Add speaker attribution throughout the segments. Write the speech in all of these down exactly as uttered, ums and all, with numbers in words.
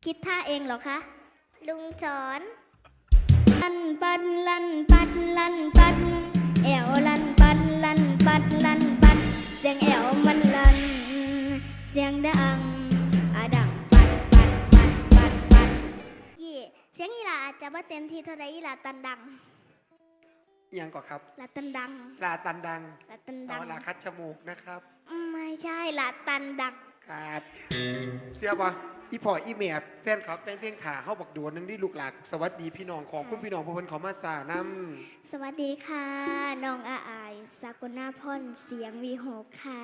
Speaker 1: คิดท่าเองเหรอคะ
Speaker 2: ลุงสอน
Speaker 1: ลันปัดลันปัดลันปัดแอวลันปัดลันปัดลันปัดเสียงแอวมันลันเสียงดังอะดังปัดปัดปัดปัดปัดยี่เสียงอีหลาอาจจะบ่เต็มที่เท่าใดอีหลาตันดัง
Speaker 3: ยังก่อนครับ
Speaker 1: ลาตันดัง
Speaker 3: ลาตันดัง
Speaker 1: ลาตันดัง
Speaker 3: ลาคัดจมูกนะครับ
Speaker 1: ไม่ใช่ลาตันดัง
Speaker 3: ครับเสียบะอีพ่ออีแม่แฟนครับแฟนเพลงถ่าเข้าบอกดวนนึงที่ลูกหลานสวัสดีพี่น้องของคุณพี่น้องผู้คนขอมาสาน
Speaker 1: ำสวัสดีค่ะน้องอาอายสากลนาพรเสียงวีหกค่ะ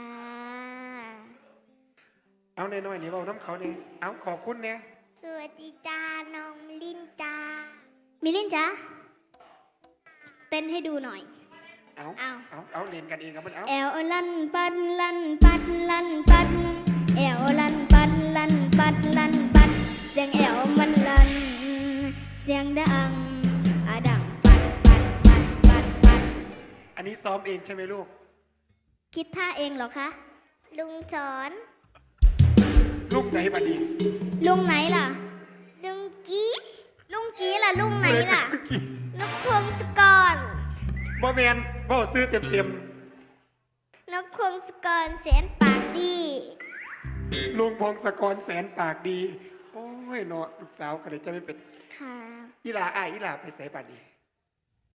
Speaker 3: เอาหน่อยๆนี่เบาน้ำเขาเนี่ยเอาขอบคุณเนี่ย
Speaker 2: สวัสดีจ้าน้องมิลินจ้า
Speaker 1: มิลินจ้าเต้นให้ดูหน่อย
Speaker 3: เอาเอาเอาเอาเล่นกันเองครับมันเอา
Speaker 1: แอวลันปัดลันปัดลันปัดแอวลันปัดลันปัดลันปัดเสียงแอวมันลันเสียงดังอะดังปัดปัดปัดปัดปัด
Speaker 3: อันนี้ซ้อมเองใช่ไหมลูก
Speaker 1: คิดท่าเองเหรอคะ
Speaker 2: ลุงสอน
Speaker 3: ลูกไหนบัดนี้
Speaker 1: ลุงไหนล่ะ
Speaker 2: ลุงกี้
Speaker 1: ลุงกี้ล่ะลุงไหนล่ะ
Speaker 2: นกพงศกร
Speaker 3: บ่แมนบ่ซื้อเต็มเต็ม
Speaker 2: นกพงศกรแสนปากดี
Speaker 3: ลุงพงศกรแสนปากดีโอ้ยเนาะลูกสาวก็เลยจะไม่เป็น
Speaker 1: ค่ะ
Speaker 3: อีหลาอ้ายอีหลาไปใส่บัดนี้